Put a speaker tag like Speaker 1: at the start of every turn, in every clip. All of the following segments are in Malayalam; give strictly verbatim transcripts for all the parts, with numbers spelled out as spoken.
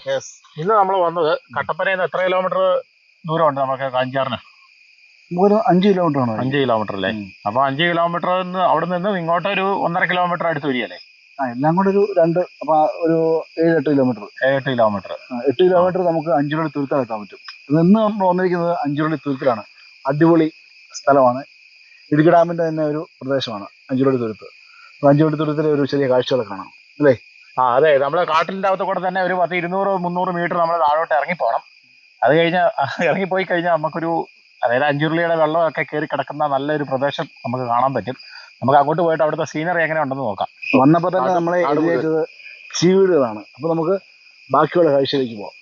Speaker 1: ഇന്ന് നമ്മൾ വന്നത് കട്ടപ്പനയിൽ നിന്ന് എത്ര കിലോമീറ്റർ ദൂരമുണ്ട് നമുക്ക് കാഞ്ചാറിന്?
Speaker 2: ഒരു അഞ്ച് കിലോമീറ്റർ ആണ്.
Speaker 1: അഞ്ച് കിലോമീറ്റർ അല്ലേ? അപ്പൊ അഞ്ച് കിലോമീറ്റർ അവിടെ നിന്ന് ഇങ്ങോട്ട് ഒരു ഒന്നര കിലോമീറ്റർ അടുത്ത് വരികയല്ലേ?
Speaker 2: ആ എല്ലാം കൂടെ ഒരു രണ്ട് അപ്പൊ ഒരു ഏഴ് എട്ട് കിലോമീറ്റർ
Speaker 1: ഏഴെട്ട് കിലോമീറ്റർ
Speaker 2: എട്ട് കിലോമീറ്റർ നമുക്ക് അഞ്ചുരുളി തുരുത്താണ് എത്താൻ പറ്റും. നിന്ന് നമ്മൾ വന്നിരിക്കുന്നത് അഞ്ചുരുളി തുരുത്തിലാണ്. അടിപൊളി സ്ഥലമാണ്. ഇടുക്കി ഡാമിന്റെ തന്നെ ഒരു പ്രദേശമാണ് അഞ്ചുരുളി തുരുത്ത്. അഞ്ചുരുളി തുരുത്തിലെ ഒരു ചെറിയ കാഴ്ചകളൊക്കെ കാണാം അല്ലേ?
Speaker 1: ആ അതെ, നമ്മള് കാട്ടിന്റെ അകത്ത് കൂടെ തന്നെ ഒരു പത്ത് ഇരുന്നൂറ് മുന്നൂറ് മീറ്റർ നമ്മൾ താഴോട്ട് ഇറങ്ങിപ്പോണം. അത് കഴിഞ്ഞ് ഇറങ്ങിപ്പോയി കഴിഞ്ഞാൽ നമുക്കൊരു അതായത് അഞ്ചുരുളിയുടെ വെള്ളമൊക്കെ കയറി കിടക്കുന്ന നല്ലൊരു പ്രദേശം നമുക്ക് കാണാൻ പറ്റും. നമുക്ക് അങ്ങോട്ട് പോയിട്ട് അവിടുത്തെ സീനറി എങ്ങനെ ഉണ്ടെന്ന് നോക്കാം.
Speaker 2: വന്നപ്പോൾ തന്നെ നമ്മളെ എഴുതിയത് ചീവീടുകളാണ്. അപ്പൊ നമുക്ക് ബാക്കിയുള്ള കാഴ്ചയിലേക്ക് പോവാം.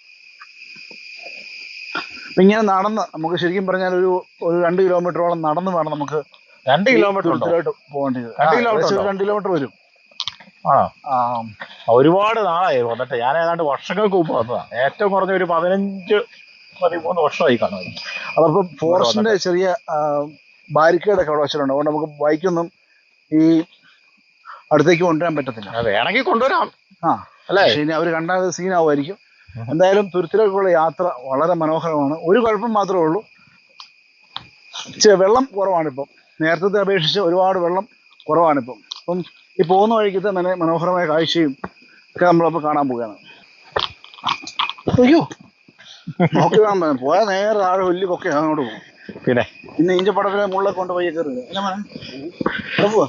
Speaker 2: അപ്പൊ ഇങ്ങനെ നടന്ന് നമുക്ക് ശരിക്കും പറഞ്ഞാൽ ഒരു ഒരു രണ്ട് കിലോമീറ്ററോളം നടന്ന് വേണം നമുക്ക്
Speaker 1: രണ്ട് കിലോമീറ്റർ
Speaker 2: പോകേണ്ടത്. രണ്ട് കിലോമീറ്റർ വരും.
Speaker 1: ആ ഒരുപാട് നാളായി വന്നിട്ട്. ഞാൻ ഏതാണ്ട് വർഷങ്ങൾക്ക് മുമ്പ് വന്നതാണ്. ഏറ്റവും കുറഞ്ഞ ഒരു പതിനഞ്ച് പതിമൂന്ന് വർഷമായി കാണും.
Speaker 2: അതപ്പം ഫോറസ്റ്റിന്റെ ചെറിയ ബാരിക്കേഡൊക്കെ അവിടെ വെച്ചിട്ടുണ്ട്. അതുകൊണ്ട് നമുക്ക് ബൈക്കൊന്നും ഈ അടുത്തേക്ക് കൊണ്ടുവരാൻ പറ്റത്തില്ല.
Speaker 1: വേണമെങ്കിൽ കൊണ്ടുവരാം.
Speaker 2: ആ അല്ലേ? ഇനി അവർ കണ്ടാൽ സീനാവുമായിരിക്കും. എന്തായാലും തുരുത്തിലേക്കുള്ള യാത്ര വളരെ മനോഹരമാണ്. ഒരു കുഴപ്പം മാത്രമേ ഉള്ളൂ, വെള്ളം കുറവാണിപ്പം. നേരത്തെ അപേക്ഷിച്ച് ഒരുപാട് വെള്ളം കുറവാണിപ്പം. അപ്പം ഈ പോകുന്ന വഴിക്കത്തെ നല്ല മനോഹരമായ കാഴ്ചയും ഒക്കെ നമ്മളിപ്പോൾ കാണാൻ പോവുകയാണ്. അയ്യോ നോക്കി കാണാൻ പോയാൽ നേരെ താഴെ വലിയ കൊക്കെ അങ്ങോട്ട് പോകും.
Speaker 1: പിന്നെ
Speaker 2: പിന്നെ ഈഞ്ച പടത്തിലെ മുള്ളൊക്കെ കൊണ്ട് പോയി കയറുക അല്ല മോനെ? പോവാ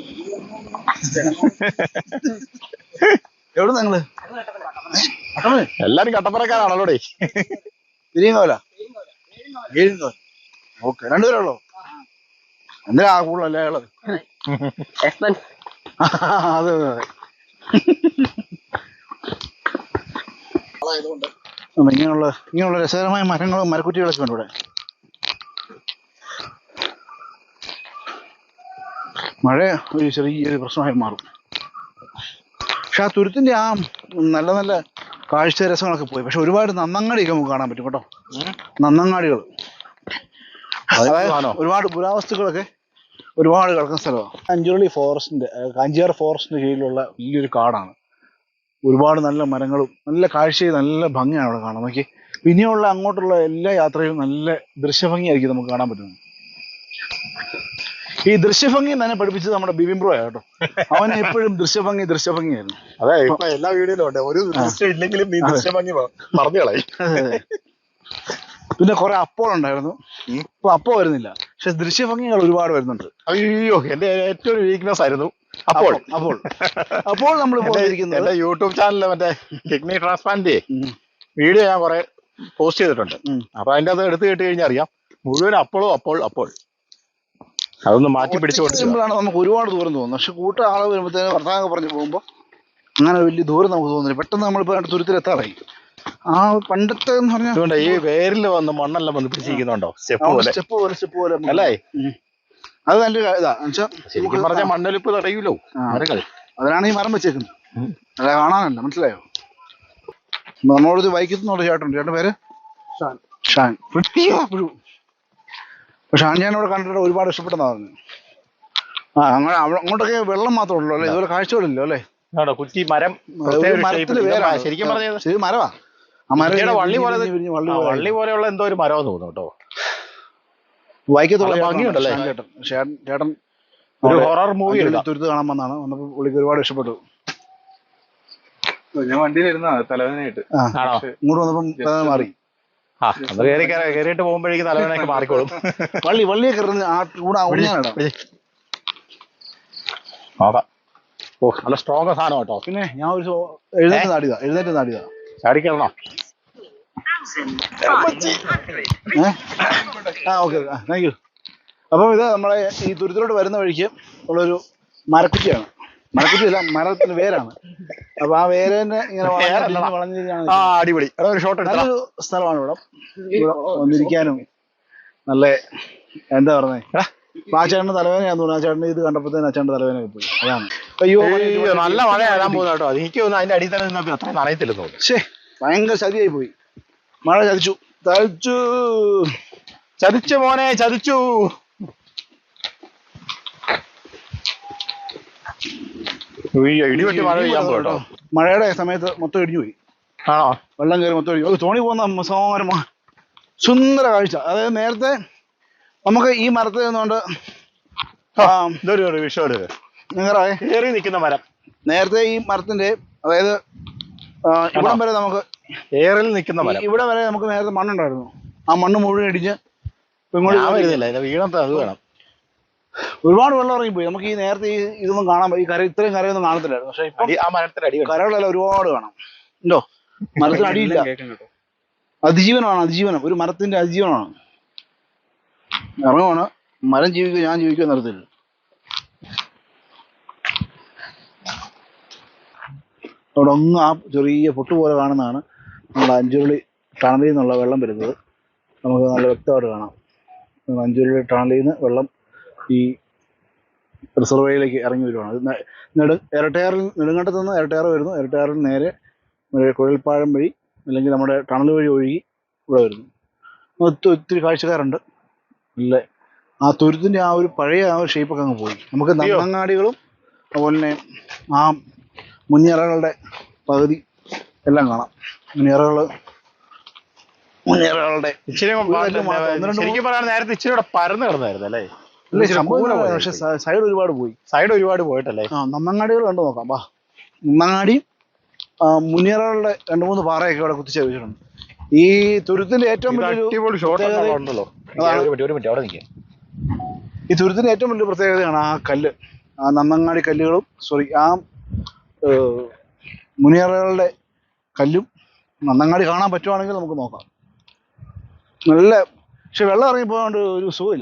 Speaker 2: എവിടെ നിങ്ങള്?
Speaker 1: എല്ലാരും കട്ടപ്പനക്കാരാണല്ലോ.
Speaker 2: തിരിയങ്കോല ഏഴിങ്കോല. ഓക്കെ, രണ്ടുപേരുള്ളോ? എന്തിനാ കൂടുതലല്ലേ ഉള്ളത്? അതെ അതെ അതെ. ഇങ്ങനെയുള്ള ഇങ്ങനെയുള്ള രസകരമായ മരങ്ങളും മരക്കുറ്റികളൊക്കെ ഉണ്ട് ഇവിടെ. മഴ ഒരു ചെറിയൊരു പ്രശ്നമായി മാറും. പക്ഷെ ആ തുരുത്തിന്റെ ആ നല്ല നല്ല കാഴ്ച രസങ്ങളൊക്കെ പോയി. പക്ഷെ ഒരുപാട് നന്നങ്ങാടിയൊക്കെ നമുക്ക് കാണാൻ പറ്റും കേട്ടോ. നന്നങ്ങാടികൾ അതായത് ഒരുപാട് പുരാവസ്തുക്കളൊക്കെ ഒരുപാട് കിടക്കുന്ന സ്ഥലമാണ്. അഞ്ചുരുളി ഫോറസ്റ്റിന്റെ കാഞ്ചിയാർ ഫോറസ്റ്റിന്റെ കീഴിലുള്ള വലിയൊരു കാടാണ്. ഒരുപാട് നല്ല മരങ്ങളും നല്ല കാഴ്ചയും നല്ല ഭംഗിയാണ് അവിടെ കാണാൻ. നോക്കി പിന്നെയുള്ള അങ്ങോട്ടുള്ള എല്ലാ യാത്രയിലും നല്ല ദൃശ്യഭംഗിയായിരിക്കും നമുക്ക് കാണാൻ പറ്റുന്നത്. ഈ ദൃശ്യഭംഗി തന്നെ പഠിപ്പിച്ചത് നമ്മുടെ ബിബിൻ ബ്രോ കേട്ടോ. അവന് എപ്പോഴും ദൃശ്യഭംഗി ദൃശ്യഭംഗിയായിരുന്നു.
Speaker 1: അതെ, ഇപ്പൊ എല്ലാ വീഡിയോയിലും ഉണ്ട്. ഒരു ദൃശ്യം ഇല്ലെങ്കിലും ഈ ദൃശ്യഭംഗി പറഞ്ഞു കളയും.
Speaker 2: പിന്നെ കുറെ അപ്പോൾ ഉണ്ടായിരുന്നു, ഇപ്പൊ അപ്പോൾ വരുന്നില്ല. പക്ഷെ ദൃശ്യഭംഗികൾ ഒരുപാട് വരുന്നുണ്ട്.
Speaker 1: അയ്യോ, എന്റെ ഏറ്റവും വീക്ക്നെസ് ആയിരുന്നു അപ്പോൾ.
Speaker 2: അപ്പോൾ അപ്പോൾ നമ്മൾ പോയിരിക്കുന്നത്
Speaker 1: യൂട്യൂബ് ചാനലില് മറ്റേ കിഡ്നി ട്രാൻസ്പ്ലാന്റ് വീഡിയോ ഞാൻ കുറെ പോസ്റ്റ് ചെയ്തിട്ടുണ്ട്. അപ്പൊ അതിന്റെ അത് എടുത്തു കേട്ട് കഴിഞ്ഞാൽ അറിയാം മുഴുവൻ അപ്പോഴും അപ്പോൾ അപ്പോൾ അതൊന്ന് മാറ്റി പിടിച്ചുകൊണ്ടിരിക്കുമ്പോഴാണ്
Speaker 2: നമുക്ക് ഒരുപാട് ദൂരം തോന്നുന്നത്. പക്ഷെ കൂട്ട ആള് വരുമ്പോഴത്തേന് വർത്തമാനം പറഞ്ഞു പോകുമ്പോൾ അങ്ങനെ വലിയ ദൂരം നമുക്ക് തോന്നുന്നില്ല. പെട്ടെന്ന് നമ്മളിപ്പോ തുരുത്തിലെത്താറായി. ആ പണ്ടത്തെ എന്ന് പറഞ്ഞാൽ
Speaker 1: ഈ വേരിൽ വന്ന് മണ്ണെല്ലാം വന്ന് പിടിച്ചിരിക്കുന്നുണ്ടോ? സ്റ്റെപ്പ് പോലെ
Speaker 2: സ്റ്റെപ്പ് പോലെ സ്റ്റെപ്പ് പോലെ
Speaker 1: അല്ലേ?
Speaker 2: അത് നല്ലൊരു ഇതാ
Speaker 1: ശരിക്കും പറഞ്ഞ മണ്ണൊലിപ്പ് തടയൂലോ മരങ്ങൾ.
Speaker 2: അതിനാണ് ഈ മരം വെച്ചേക്കുന്നത്. അല്ല കാണാനല്ല, മനസ്സിലായോ? നമ്മളോട് വൈക്കത്തുനിന്നുള്ള ചേട്ടൻ ചേട്ടൻ പേര് ഷാൻ. പക്ഷെ ഷാൻ ഞാൻ ഇവിടെ കണ്ടിട്ട് ഒരുപാട് ഇഷ്ടപ്പെട്ടെന്നാ പറഞ്ഞു. ആ അങ്ങനെ അങ്ങോട്ടൊക്കെ വെള്ളം മാത്രമേ ഉള്ളൂ അല്ലേ? ഇതുപോലെ കാഴ്ചകളില്ലോ അല്ലേ?
Speaker 1: കുറ്റി മരം ശരിക്കും പറഞ്ഞത്
Speaker 2: ശരി മരവാ. ആ മരം
Speaker 1: വള്ളി പോലെ വള്ളി പോലെയുള്ള എന്തോ ഒരു മരം തോന്നുന്നു കേട്ടോ.
Speaker 2: വൈക്കത്തുള്ള
Speaker 1: ഭംഗിയുണ്ടല്ലേ
Speaker 2: ചേട്ടൻ. ചേട്ടൻ
Speaker 1: ഒരു ഹൊറർ മൂവി
Speaker 2: തുരുത്ത് കാണാൻ വന്നാണ്. വന്നപ്പോൾ പുള്ളിക്ക് ഒരുപാട് ഇഷ്ടപ്പെട്ടു.
Speaker 3: ഞാൻ വണ്ടിയിലിരുന്ന തലവേദനയായിട്ട്
Speaker 2: ഇങ്ങോട്ട് വന്നപ്പം തലവേദന മാറി.
Speaker 1: ആ അത് കയറി കയറിയിട്ട് പോകുമ്പോഴേക്കും തലവേദനയൊക്കെ മാറിക്കോളും.
Speaker 2: വള്ളി വള്ളിയൊക്കെ കൂടെ
Speaker 1: നോക്കാം. ഓ നല്ല സ്ട്രോങ് സാധനം കേട്ടോ.
Speaker 2: പിന്നെ ഞാൻ ഒരു എഴുന്നേറ്റ് നാടിയതാ എഴുന്നേറ്റ് നാടിയതാ
Speaker 1: ചാടിക്കണോ?
Speaker 2: ആ ഓക്കെ താങ്ക് യു. അപ്പം ഇത് നമ്മളെ ഈ തുരുത്തിലോട്ട് വരുന്ന വഴിക്ക് ഉള്ളൊരു മരക്കുറ്റിയാണ്. മരക്കുറ്റിയല്ല, മരത്തിന് വേരാണ്. അപ്പൊ ആ വേരന്നെ ഇങ്ങനെ വളഞ്ഞിരിക്കുകയാണ്.
Speaker 1: അടിപൊളി
Speaker 2: നല്ലൊരു സ്ഥലമാണ് ഇവിടെ. ഇവിടെ വന്നിരിക്കാനും നല്ല എന്താ പറഞ്ഞേ. ആ ചേട്ടന് തലവേദനയാന്ന് തോന്നുന്നു. ആ ചേട്ടന് ഇത് കണ്ടപ്പോഴത്തേന് അച്ഛൻ്റെ തലവേദനയൊക്കെ പോയി. അതാണ്.
Speaker 1: അയ്യോ നല്ല മഴ വരാൻ പോകുന്ന കേട്ടോ. എനിക്ക് തോന്നുന്നു അതിന്റെ അടിയിൽ തന്നെ നിന്നപ്പോ അത്ര നനയത്തില്ലെന്ന് തോന്നുന്നു.
Speaker 2: പക്ഷേ ഭയങ്കര ചതിയായി പോയി. മഴ ചതിച്ചു ചതിച്ചു
Speaker 1: ചതിച്ചു മോനെ ചതിച്ചു. ഇടിവെട്ടി മഴ പെയ്യാൻ പോട്ടോ.
Speaker 2: മഴയുടെ സമയത്ത് മൊത്തം ഇടിഞ്ഞു പോയി.
Speaker 1: ആണോ?
Speaker 2: വെള്ളം കയറി മൊത്തം ഒഴുകി. അത് തോണി പോകുന്ന മനോഹരമായ സുന്ദര കാഴ്ച. അതായത് നേരത്തെ നമുക്ക് ഈ മരത്തിൽ നിന്നുകൊണ്ട്
Speaker 1: ഇതൊരു വിഷയം
Speaker 2: നിങ്ങളെ
Speaker 1: കയറി നിൽക്കുന്ന മരം.
Speaker 2: നേരത്തെ ഈ മരത്തിന്റെ അതായത് ഇവിടം വരെ നമുക്ക്
Speaker 1: ഏറിൽ നിൽക്കുന്ന മരം,
Speaker 2: ഇവിടെ വരെ നമുക്ക് നേരത്തെ മണ്ണുണ്ടായിരുന്നു. ആ മണ്ണ് മുഴുവൻ ഇടിഞ്ഞ്
Speaker 1: വരുന്നില്ല, വീണത്തെ അത് വേണം.
Speaker 2: ഒരുപാട് വെള്ളം ഇറങ്ങിപ്പോയി. നമുക്ക് ഈ നേരത്തെ ഈ ഇതൊന്നും കാണാൻ ഈ കര ഇത്രയും കരയൊന്നും കാണത്തില്ലായിരുന്നു. പക്ഷെ ഇപ്പൊ
Speaker 1: ആ മരത്തിന്റെ അടി
Speaker 2: കരകളെല്ലാം ഒരുപാട് കാണാം. ഉണ്ടോ? മരത്തിന് അടിയില്ല. അതിജീവനമാണ്, അതിജീവനം. ഒരു മരത്തിന്റെ അതിജീവനമാണ്. ഇറങ്ങുവാണ്. മരം ജീവിക്കുക, ഞാൻ ജീവിക്കുക നിർത്തില്ല. അവിടെ ഒന്ന് ആ ചെറിയ പൊട്ട് പോലെ കാണുന്നതാണ് നമ്മൾ അഞ്ചുരുളി ടണലിൽ നിന്നുള്ള വെള്ളം വരുന്നത്. നമുക്ക് നല്ല വ്യക്തമായിട്ട് കാണാം. അഞ്ചുരുളി ടണലിൽ നിന്ന് വെള്ളം ഈ റിസർവേയിലേക്ക് ഇറങ്ങി വരുവാണ്. അത് നെടു ഇരട്ടയാറിൽ നെടുങ്കണ്ടത്ത് നിന്ന് ഇരട്ടയാർ വരുന്നു. ഇരട്ടയാറിൽ നേരെ കുഴൽപ്പാഴം വഴി അല്ലെങ്കിൽ നമ്മുടെ ടണൽ വഴി ഒഴുകി ഇവിടെ വരുന്നു. ഒത്തിരി ഒത്തിരി കാഴ്ചക്കാരുണ്ട്. ഇല്ല, ആ തുരുത്തിൻ്റെ ആ ഒരു പഴയ ആ ഒരു ഷേപ്പൊക്കെ അങ്ങ് പോയി. നമുക്ക് നന്നങ്ങാടികളും അതുപോലെ തന്നെ ആ മുനിയറകളുടെ പകുതി എല്ലാം കാണാം. മുനിയറകൾ മുനിയറകളുടെ
Speaker 1: ശരിക്കും പറയാൻ നേരത്തെ ഇച്ചിരി കൂടെ പരന്ന് കിടന്നായിരുന്നു അല്ലേ?
Speaker 2: പക്ഷെ സൈഡ് ഒരുപാട് പോയി.
Speaker 1: സൈഡ് ഒരുപാട് പോയിട്ടല്ലേ?
Speaker 2: ആ നന്നങ്ങാടികൾ കണ്ടു നോക്കാം. ബാ, നന്നങ്ങാടി മുനിയറകളുടെ രണ്ട് മൂന്ന് പാറയൊക്കെ ഇവിടെ കുത്തിച്ച് വെച്ചിട്ടുണ്ട്. ഈ തുരുത്തിന്റെ ഏറ്റവും ഈ തുരുത്തിന്റെ ഏറ്റവും വലിയ പ്രത്യേകതയാണ് ആ കല്ല്, ആ നന്നങ്ങാടി കല്ലുകളും സോറി ആ മുനിയറകളുടെ കല്ലും. നന്നങ്ങാടി കാണാൻ പറ്റുവാണെങ്കിൽ നമുക്ക് നോക്കാം. നല്ല പക്ഷെ വെള്ളം ഇറങ്ങിപ്പോകാണ്ട് ഒരു സുഖമില്ല.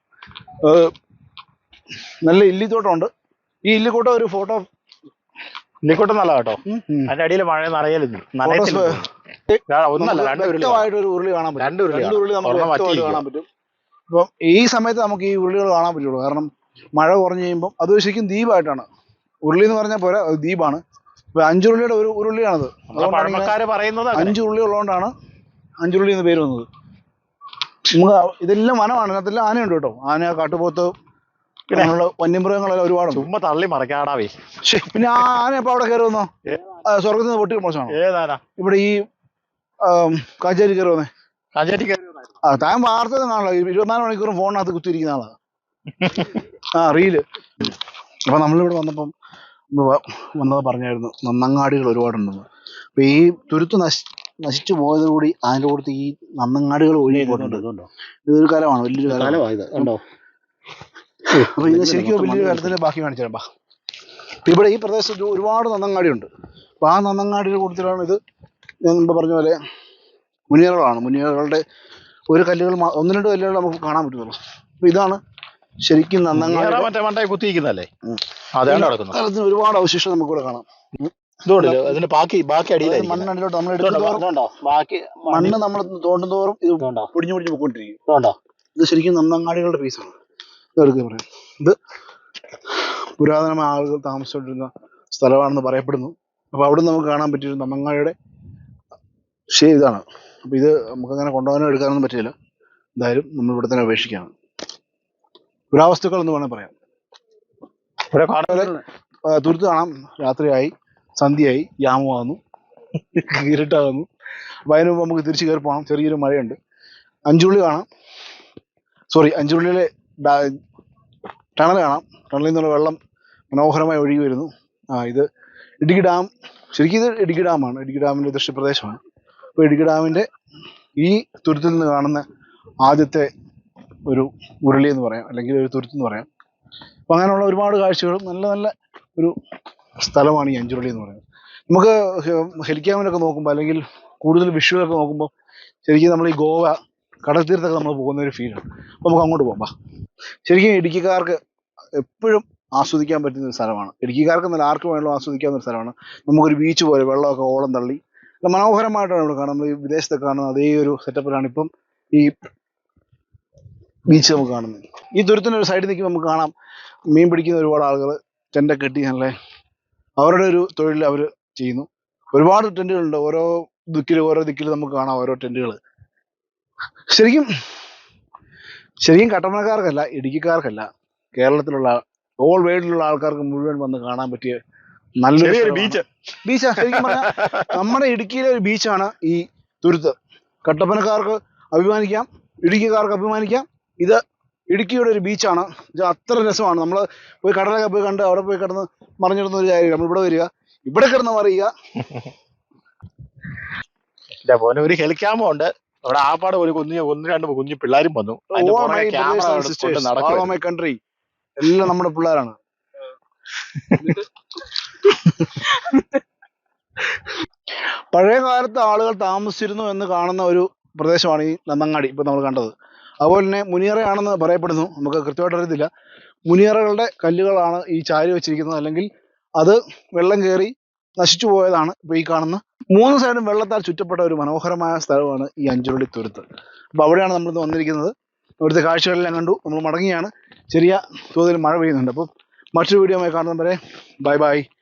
Speaker 2: നല്ല ഇല്ലിത്തോട്ടമുണ്ട്. ഈ ഇല്ലിക്കോട്ടം ഒരു ഫോട്ടോ
Speaker 1: ഇല്ലിക്കോട്ടം നല്ല കേട്ടോ. അതിന്റെ അടിയിൽ മഴ നിറയലുണ്ട്.
Speaker 2: വ്യക്തമായിട്ടൊരു ഉരുളി കാണാൻ പറ്റും. രണ്ട് ഉരുളി നമുക്ക് വ്യക്തമായിട്ട് കാണാൻ പറ്റും. ഇപ്പം ഈ സമയത്ത് നമുക്ക് ഈ ഉരുളികൾ കാണാൻ പറ്റുള്ളൂ. കാരണം മഴ കുറഞ്ഞു കഴിയുമ്പം അത് ശരിക്കും ദ്വീപായിട്ടാണ്. ഉരുളി എന്ന് പറഞ്ഞാൽ പോരാ, അത് ദ്വീപാണ്. ഇപ്പൊ അഞ്ചുരുളിയുടെ ഒരു ഉരുളിയാണത്. അഞ്ചു ഉരുളി ഉള്ളതുകൊണ്ടാണ് അഞ്ചുരുളി എന്ന് പേര് വന്നത്. നമുക്ക് ഇതെല്ലാം വനമാണ്. ഇതിനകത്തെല്ലാം ആനയുണ്ട് കേട്ടോ. ആന, കാട്ടുപോത്ത്, അങ്ങനെയുള്ള വന്യമൃഗങ്ങളെല്ലാം ഒരുപാട്.
Speaker 1: ചുമ്മാ തള്ളി മറക്കാടാവേ.
Speaker 2: പിന്നെ ആ ആന ഇപ്പൊ അവിടെ കയറി വന്നോ? സ്വർഗത്തിൽ നിന്ന് പൊട്ടി മോശമാണ്. ഇവിടെ ഈ കാഞ്ചേരി കയറി വന്നേ. ആ താൻ വാർത്ത കാണല്ലോ. ഇരുപത്തിനാല് മണിക്കൂറും ഫോണിനകത്ത് കുത്തിയിരിക്കുന്ന ആളാ. ആ റീല്. അപ്പൊ നമ്മളിവിടെ വന്നപ്പം വന്നത് പറഞ്ഞായിരുന്നു നന്നങ്ങാടികൾ ഒരുപാടുണ്ടെന്ന്. അപ്പൊ ഈ തുരുത്ത് നശി നശിച്ചു പോയതോടുകൂടി അതിൻ്റെ കൂടത്ത് ഈ നന്നങ്ങാടികൾ ഒഴുകി പോയിട്ടുണ്ട്. ഇതൊരു കാലമാണ്, വലിയൊരു കാലമാണ്. അപ്പൊ ഇത് ശരിക്കും വലിയൊരു കാലത്തിന്റെ ബാക്കി കാണിച്ചു തരാം. ഇവിടെ ഈ പ്രദേശത്ത് ഒരുപാട് നന്നങ്ങാടിയുണ്ട്. അപ്പൊ ആ നന്നങ്ങാടിയുടെ കൂട്ടത്തിലാണ് ഇത്. ഞാൻ മുമ്പ് പറഞ്ഞ പോലെ മുനിയറകളാണ്. മുനിയറകളുടെ ഒരു കല്ലുകൾ, ഒന്ന് രണ്ട് കല്ലുകൾ നമുക്ക് കാണാൻ പറ്റുന്നുള്ളൂ. അപ്പൊ ഇതാണ് ശരിക്കും നന്നങ്ങാടി
Speaker 1: കുത്തിയിരിക്കുന്നല്ലേ.
Speaker 2: ഒരുപാട് അവശിഷ്ടം നമുക്കിവിടെ കാണാം. മണ്ണടിയിലോട്ട് നമ്മൾ എടുക്കുന്നതോറും മണ്ണ് നമ്മൾ തോണ്ടുന്നതോറും ഇത് പൊടിഞ്ഞു പൊടിഞ്ഞു പോയിക്കൊണ്ടിരിക്കും. ഇത് ശരിക്കും നന്നങ്ങാടികളുടെ പീസാണ്. ഇതെടുക്കുക പറയാം. ഇത് പുരാതനമായ ആളുകൾ താമസിച്ചുകൊണ്ടിരുന്ന സ്ഥലമാണെന്ന് പറയപ്പെടുന്നു. അപ്പൊ അവിടെ നമുക്ക് കാണാൻ പറ്റിയൊരു നന്നങ്ങാടിയുടെ ശരി ഇതാണ്. അപ്പൊ ഇത് നമുക്കങ്ങനെ കൊണ്ടുപോകാനോ എടുക്കാനൊന്നും പറ്റില്ല. എന്തായാലും നമ്മൾ ഇവിടെ തന്നെ അപേക്ഷിക്കുകയാണ്. പുരാവസ്തുക്കൾ എന്ന് വേണമെങ്കിൽ പറയാം. തുരുത്ത് കാണാം. രാത്രിയായി, സന്ധ്യയായി, യാമമാകുന്നു, ഇരുട്ടാകുന്നു. അപ്പൊ അതിന് മുമ്പ് നമുക്ക് തിരിച്ചു കയറി പോകണം. ചെറിയൊരു മഴയുണ്ട്. അഞ്ചുള്ളി കാണാം. സോറി അഞ്ചുള്ളിയിലെ ടണൽ കാണാം. ടണലിൽ നിന്നുള്ള വെള്ളം മനോഹരമായി ഒഴുകി വരുന്നു. ആ ഇത് ഇടുക്കി ഡാം. ശരിക്കും ഇത് ഇടുക്കി ഡാമാണ്. ഇടുക്കി ഡാമിൻ്റെ ദൃശ്യപ്രദേശമാണ്. അപ്പോൾ ഇടുക്കി ഡാമിൻ്റെ ഈ തുരുത്തിൽ നിന്ന് കാണുന്ന ആദ്യത്തെ ഒരു ഉരുളി എന്ന് പറയാം, അല്ലെങ്കിൽ ഒരു തുരുത്തെന്ന് പറയാം. അപ്പം അങ്ങനെയുള്ള ഒരുപാട് കാഴ്ചകളും നല്ല നല്ല ഒരു സ്ഥലമാണ് ഈ അഞ്ചുരുളി എന്ന് പറയുന്നത്. നമുക്ക് ഹെലിക്യാമിലൊക്കെ നോക്കുമ്പോൾ അല്ലെങ്കിൽ കൂടുതൽ വിഷ്വലൊക്കെ നോക്കുമ്പോൾ ശരിക്കും നമ്മൾ ഈ ഗോവ കടൽ തീരത്തൊക്കെ നമ്മൾ പോകുന്ന ഒരു ഫീലാണ്. അപ്പോൾ നമുക്ക് അങ്ങോട്ട് പോകാം. ശരിക്കും ഇടുക്കിക്കാർക്ക് എപ്പോഴും ആസ്വദിക്കാൻ പറ്റുന്ന ഒരു സ്ഥലമാണ്. ഇടുക്കിക്കാർക്ക് നല്ല ആർക്ക് വേണമെങ്കിലും ആസ്വദിക്കാവുന്ന ഒരു സ്ഥലമാണ്. നമുക്കൊരു ബീച്ച് പോലെ വെള്ളമൊക്കെ ഓളം തള്ളി മനോഹരമായിട്ടാണ് ഇവിടെ കാണാം. നമ്മൾ ഈ വിദേശത്തൊക്കെ കാണുന്ന അതേ ഒരു സെറ്റപ്പിലാണ് ഇപ്പം ഈ ബീച്ച് നമുക്ക് കാണുന്നത്. ഈ തുരുത്തിൻ്റെ ഒരു സൈഡിൽ നിൽക്കുമ്പോൾ നമുക്ക് കാണാം മീൻ പിടിക്കുന്ന ഒരുപാട് ആളുകൾ ടെൻ്റൊക്കെ കെട്ടി നല്ല അവരുടെ ഒരു തൊഴിൽ അവർ ചെയ്യുന്നു. ഒരുപാട് ടെൻറ്റുകളുണ്ട്. ഓരോ ദിക്കിൽ ഓരോ ദിക്കിൽ നമുക്ക് കാണാം ഓരോ ടെൻറ്റുകൾ. ശരിക്കും ശരിക്കും കട്ടപ്പനക്കാർക്കല്ല, ഇടുക്കിക്കാർക്കല്ല, കേരളത്തിലുള്ള ഓൾ വേൾഡിലുള്ള ആൾക്കാർക്ക് മുഴുവൻ വന്ന് കാണാൻ പറ്റിയ നല്ലൊരു
Speaker 1: ബീച്ച്.
Speaker 2: ബീച്ച് ശരിക്കും പറഞ്ഞാൽ നമ്മുടെ ഇടുക്കിയിലെ ഒരു ബീച്ചാണ് ഈ തുരുത്ത്. കട്ടപ്പനക്കാർക്ക് അഭിമാനിക്കാം, ഇടുക്കിക്കാർക്ക് അഭിമാനിക്കാം. ഇത് ഇടുക്കിയുടെ ഒരു ബീച്ചാണ്. ഇത് അത്ര രസമാണ്. നമ്മൾ പോയി കടലൊക്കെ പോയി കണ്ട് അവിടെ പോയി കിടന്ന് മറിഞ്ഞിടുന്ന ഒരു കാര്യം. നമ്മൾ ഇവിടെ വരിക, ഇവിടെ കിടന്ന് മറിയുക.
Speaker 1: പോലെ ഒരു ഹെലിക്യാമോ ഉണ്ട് അവിടെ. ആപ്പാട് ഒരു കുഞ്ഞു ഒന്ന് രണ്ട് കുഞ്ഞു പിള്ളേരും വന്നു.
Speaker 2: മൈ കൺട്രി എല്ലാം നമ്മുടെ പിള്ളേരാണ്. പഴയ കാലത്ത് ആളുകൾ താമസിച്ചിരുന്നു എന്ന് കാണുന്ന ഒരു പ്രദേശമാണ് ഈ നന്നങ്ങാടി ഇപ്പൊ നമ്മൾ കണ്ടത്. അതുപോലെ തന്നെ മുനിയറയാണെന്ന് പറയപ്പെടുന്നു. നമുക്ക് കൃത്യമായിട്ട് അറിയത്തില്ല. മുനിയറകളുടെ കല്ലുകളാണ് ഈ ചാരി വെച്ചിരിക്കുന്നത്, അല്ലെങ്കിൽ അത് വെള്ളം കയറി നശിച്ചു പോയതാണ് ഇപ്പൊ ഈ കാണുന്ന. മൂന്ന് സൈഡും വെള്ളത്താൽ ചുറ്റപ്പെട്ട ഒരു മനോഹരമായ സ്ഥലമാണ് ഈ അഞ്ചുരുളി തുരുത്ത്. അപ്പൊ അവിടെയാണ് നമ്മളിന്ന് വന്നിരിക്കുന്നത്. ഇവിടുത്തെ കാഴ്ചകളെല്ലാം കണ്ടു, നമ്മൾ മടങ്ങിയാണ്. ചെറിയ തോതിൽ മഴ പെയ്യുന്നുണ്ട്. അപ്പം മറ്റൊരു വീഡിയോ കാണുന്നവരെ ബൈ ബൈ.